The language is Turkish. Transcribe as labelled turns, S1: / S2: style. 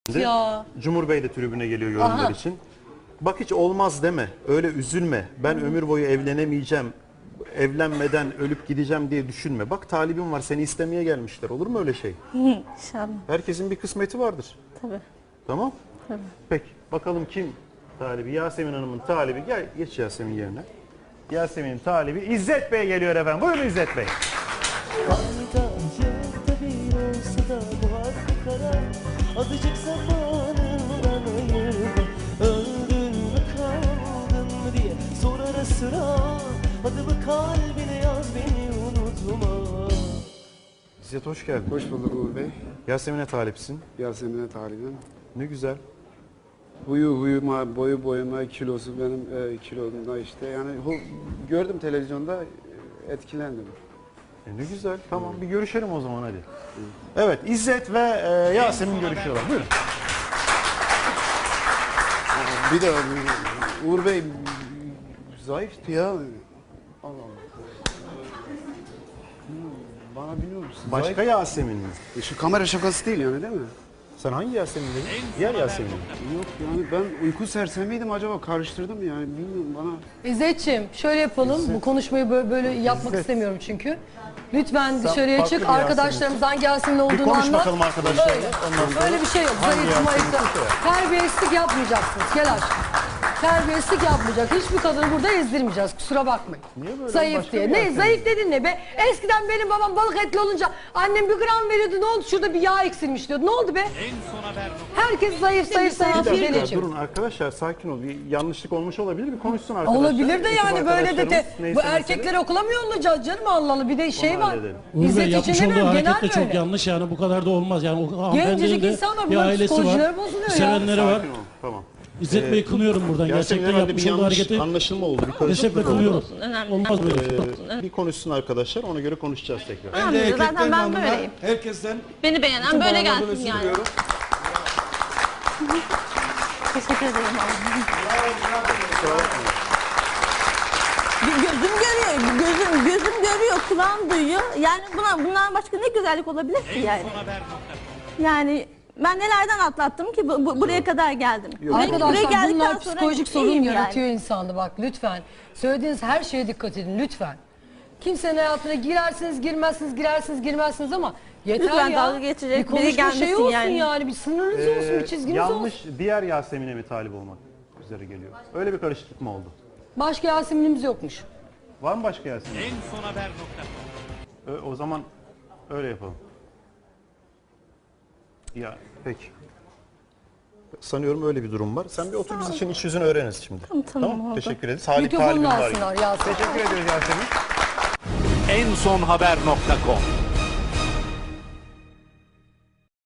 S1: Ya.
S2: Cumhur Bey de tribüne geliyor yorumlar için. Bak hiç olmaz deme, öyle üzülme. Ben ömür boyu evlenemeyeceğim, evlenmeden ölüp gideceğim diye düşünme. Bak talibim var, seni istemeye gelmişler. Olur mu öyle şey?
S3: İnşallah.
S2: Herkesin bir kısmeti vardır.
S3: Tabii.
S2: Tamam?
S3: Tabii.
S2: Peki, bakalım kim talibi? Yasemin Hanım'ın talibi. Gel, geç Yasemin yerine. Yasemin'in talibi İzzet Bey geliyor efendim. Buyurun İzzet Bey.
S4: Azıcık zamanından ayırma. Öldün mü kaldın mı diye sor ara sıra. Adımı kalbine yaz, beni unutma.
S2: İzzet hoş geldin.
S5: Hoş bulduk Uğur Bey.
S2: Yasemin'e talipsin.
S5: Yasemin'e talibim.
S2: Ne güzel.
S5: Huyu huyuma, boyu boyuma, kilosu benim kilomda işte. Yani gördüm televizyonda, etkilendim.
S2: Ne güzel. Tamam bir görüşelim o zaman hadi. Evet İzzet ve Yasemin görüşüyorlar. Buyurun.
S5: Bir de Uğur Bey zayıftı ya. Allah Allah. Bana biliyor musun?
S2: Başka Yasemin mi?
S5: Şu kamera şakası değil yani değil mi?
S2: Sen hangi Yasemin dedin? Diğer Yasemin.
S5: Yok yani ben uyku sersemiydim acaba, karıştırdım yani bilmiyorum bana.
S1: İzzetciğim şöyle yapalım. Bu konuşmayı böyle yapmak istemiyorum çünkü. Lütfen dışarıya
S2: farklı
S1: çık.
S2: bir
S1: Arkadaşlarımız hangi Yasemin
S2: Bir
S1: olduğunu
S2: konuş
S1: anlat.
S2: bakalım arkadaşlar.
S1: Öyle.
S2: Ondan sonra
S1: Böyle bir şey yok.
S2: hangi
S1: Zayıf
S2: Yasemin
S1: mayıf.
S2: ise.
S1: Terbiyesizlik yapmayacaksınız. Gel aşkım. Terbiyesizlik yapmayacak. Hiçbir kadını burada ezdirmeyeceğiz. Kusura bakmayın.
S2: Niye böyle?
S1: Zayıf
S2: Başka
S1: diye.
S2: bir
S1: Ne
S2: Yasemin.
S1: zayıf dedin ne be? Eskiden benim babam balık etli olunca annem bir gram veriyordu. Ne oldu? Şurada bir yağ eksilmiş diyordu. Ne oldu be? Herkes zayıf zayıf
S2: Bir
S1: zayıf.
S2: dakika
S1: Geleceğim.
S2: durun arkadaşlar sakin ol. Bir yanlışlık olmuş olabilir. Bir konuşsun arkadaşlar.
S1: Olabilir de
S2: Ekip
S1: yani böyle de
S2: arkadaşlarımız neyse
S1: bu
S2: mesele.
S1: erkekleri okula mı yollayacağız canım Allah Allah bir de şey
S2: Onu
S1: var.
S2: halledelim.
S6: Uğur Bey
S1: İzzet
S6: yapmış
S1: için
S6: olduğu
S1: demiyorum genel
S6: hareket de çok
S1: böyle.
S6: yanlış yani bu kadar da olmaz yani o hanımefendinin
S1: Gencecik
S6: de
S1: insanlar
S6: bir
S1: bunların
S6: ailesi
S1: psikolojileri
S6: var,
S1: bozuluyor ya.
S6: sevenleri var.
S2: Sakin ol. Tamam.
S6: İzzet Bey kınıyorum buradan
S2: Gerçekten
S6: gerçekten
S2: herhalde bir
S6: yapmış olduğu
S2: yanlış
S6: hareketi
S2: anlaşılma oldu. Bir
S6: kesinlikle
S2: karışıklık oldu.
S6: kınıyorum.
S3: Önemli.
S6: Olmaz böyle şey.
S2: Bir konuşsun arkadaşlar ona göre konuşacağız tekrar.
S3: Tamam, zaten ben böyleyim.
S5: Herkesten
S3: Beni beğenen
S5: bütün
S3: böyle
S5: bağlardan
S3: gelsin
S5: özür
S3: yani.
S5: diliyorum.
S3: Teşekkür ederim.
S7: Gözüm görüyor, gözüm görüyor, kulağım duyuyor. Yani bundan başka ne güzellik olabilir ki yani? Yani ben nelerden atlattım ki buraya kadar geldim.
S1: Arkadaşlar bunlar
S7: sonra
S1: psikolojik sorun
S7: iyiyim
S1: yaratıyor insanda bak lütfen. Söylediğiniz her şeye dikkat edin lütfen. Kimsenin hayatına girersiniz girmezsiniz girersiniz girmezsiniz ama yeter
S7: Lütfen
S1: ya.
S7: dalga geçecek
S1: bir konuşma
S7: biri gelmesin
S1: şey olsun
S7: yani.
S1: yani. Bir sınırınız olsun bir çizginiz
S2: Yanlış
S1: olsun.
S2: diğer Yasemin'e mi talip olmak üzere geliyor? Öyle bir karışıklık mı oldu?
S1: Başka Yasemin'imiz yokmuş.
S2: Var mı başka Yasemin? O zaman öyle yapalım. Ya peki. Sanıyorum öyle bir durum var. Sen bir otur biz için iç yüzünü öğreniriz şimdi.
S7: Tamam, oldu.
S2: Teşekkür ederiz. Salih
S1: Mikrofonunu
S2: talibim var.
S1: alsınlar Yasemin.
S2: Teşekkür ediyoruz Yasemin.
S8: ensonhaber.com